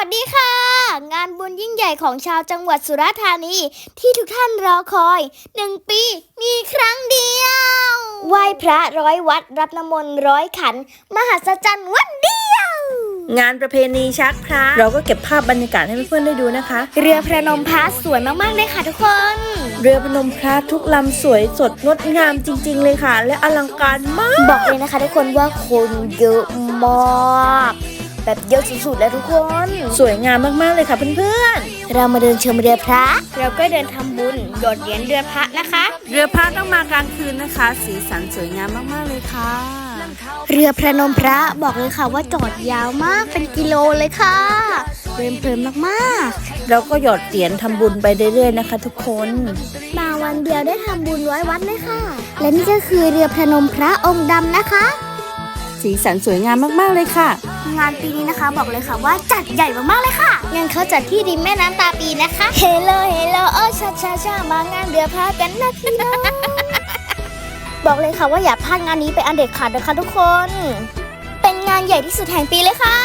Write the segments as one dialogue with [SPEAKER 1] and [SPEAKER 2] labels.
[SPEAKER 1] วัสดีค่ะงานบุญยิ่งใหญ่ของชาวจังหวัดสุราษฎร์ธานีที่ทุกท่านรอคอย1 ปีมีครั้งเดียวไหว้พระ100 วัดรับน้ำมนต์100 ขันมหัศจรรย์วันเดียว
[SPEAKER 2] งานประเพณีชักพระเราก็เก็บภาพบรรยากาศให้เพื่อนๆได้ดูนะคะ
[SPEAKER 1] เรือพระนมพระสวยมากๆเลยค่ะทุกคน
[SPEAKER 2] เรือพนมพระทุกลำสวยสดงดงามจริงๆเลยค่ะและอลังการมาก
[SPEAKER 1] บอกเลยนะคะทุกคนว่าคนเยอะมากแบบเยอะสุดๆแล้วทุกคน
[SPEAKER 2] สวยงามมากๆเลยค่ะเพื่อน
[SPEAKER 1] ๆเรามาเดินชมเรือพระเราก็เดินทำบุญโดดเหรียญเรือพระนะคะ
[SPEAKER 2] เรือพระต้องมากลางคืนนะคะ สีสันสวยงามมากๆเลยค่ะ
[SPEAKER 1] เรือพระนมพระบอกเลยค่ะว่าจอดยาวมากเป็นกิโลเลยค่ะเพลินมาก
[SPEAKER 2] ๆเราก็หยอดเหรียญทำบุญไปเรื่อยๆนะคะทุกคน
[SPEAKER 1] มาวันเดียวได้ทำบุญ100 วัดเลยค่ะและนี่ก็คือเรือพระนมพระองค์ดำนะคะ
[SPEAKER 2] สีสันสวยงามมากๆเลยค่ะ
[SPEAKER 1] งานปีนี้นะคะบอกเลยค่ะว่าจัดใหญ่มากๆเลยค่ะงานเขาจัดที่ริมแม่น้ำตาปีนะคะเฮโลโอ้ชามางานเรือพระกันนะพี่น้องบอกเลยค่ะว่าอย่าพลาดงานนี้ไปอันเด็ดขาดนะคะทุกคนเป็นงานใหญ่ที่สุดแห่งปีเลยค่ะ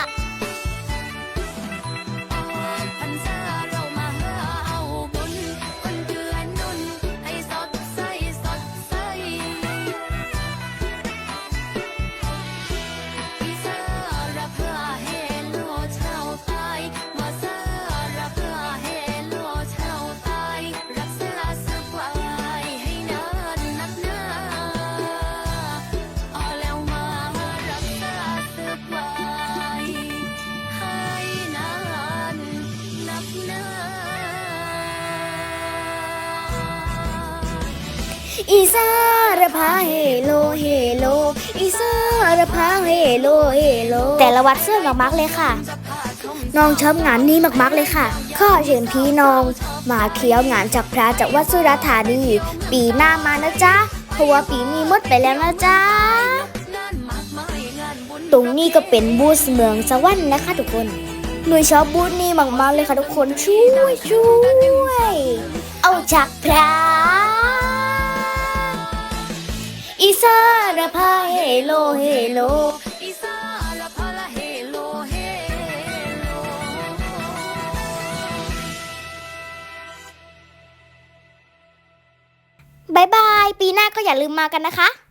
[SPEAKER 1] อีสารพาเฮโลอีสารพาเฮโลแต่ละวัดเสื้อมากๆเลยค่ะน้องชอบงานนี้มากๆเลยค่ะข้อเชิญพี่น้องมาเคี้ยวงานจากพระจากวัดสุราษฎร์ธานีปีหน้ามานะจ๊ะเพราะว่าปีนี้หมดไปแล้วนะจ๊ะตรงนี้ก็เป็นบูธเมืองสวรรค์นะคะทุกคนหนูชอบบูธนี้มากๆเลยค่ะทุกคนช่วยเอาจากพระอีสารพาเฮโลอีสารพาเฮโลบายบายปีหน้าก็อย่าลืมมากันนะคะ